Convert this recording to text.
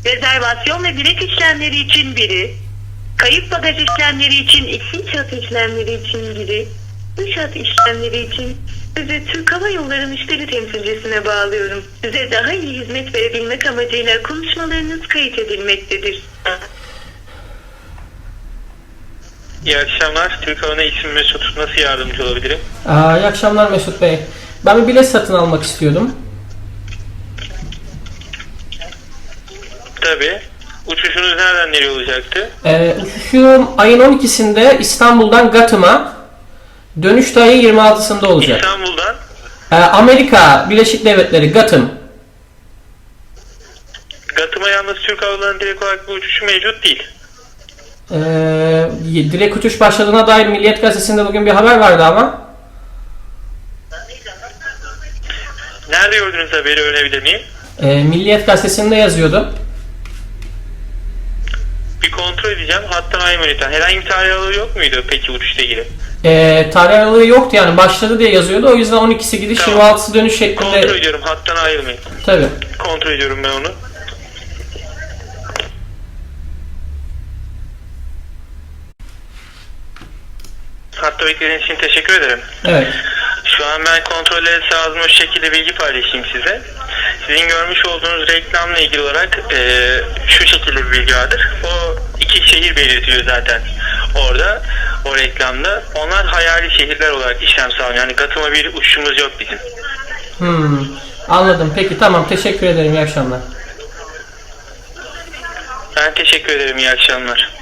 Rezervasyon ve bilet işlemleri için biri, kayıp bagaj işlemleri için 2 hat işlemleri için biri, 3 hat işlemleri için sizi Türk Hava Yolları müşteri temsilcisine bağlıyorum. Size daha iyi hizmet verebilmek amacıyla konuşmalarınız kayıt edilmektedir. İyi akşamlar. Türk Hava isim Mesut. Nasıl yardımcı olabilirim? İyi akşamlar Mesut Bey. Ben bir bilet satın almak istiyordum. Tabii. Uçuşunuz nereden nereye olacaktı? Uçuşum ayın 12'sinde İstanbul'dan Gatım'a, dönüş de ayın 26'sında olacak. İstanbul'dan? Amerika Birleşik Devletleri, Gatım. Gatım'a yalnız Türk Hava Yolları'nın direkt olarak bir uçuşu mevcut değil. Direkt uçuş başladığına dair Milliyet Gazetesi'nde bugün bir haber vardı ama. Nerede gördünüz haberi, öğrenebilir miyim? Milliyet Gazetesi'nde yazıyordu. Bir kontrol edeceğim. Hattan ayrılmayın lütfen. Herhangi bir tarih aralığı yok muydu peki uçuşla ilgili? Tarih aralığı yoktu, yani başladı diye yazıyordu. O yüzden 12'si gidiş, Tamam. 26'sı dönüş şeklinde. Kontrol ediyorum. Hattan ayrılmayın. Tabii. Kontrol ediyorum ben onu. Hatta beklediğiniz için teşekkür ederim. Evet. Şu an ben kontrolleri sağladığım şekilde bilgi paylaşayım size. Sizin görmüş olduğunuz reklamla ilgili olarak şu şekilde bir bilgi vardır. O 2 şehir belirtiyor zaten orada, o reklamda. Onlar hayali şehirler olarak işlem sağlıyor. Yani Gatım'a bir uçuşumuz yok bizim. Anladım. Peki, tamam. Teşekkür ederim. İyi akşamlar. Ben teşekkür ederim. İyi akşamlar.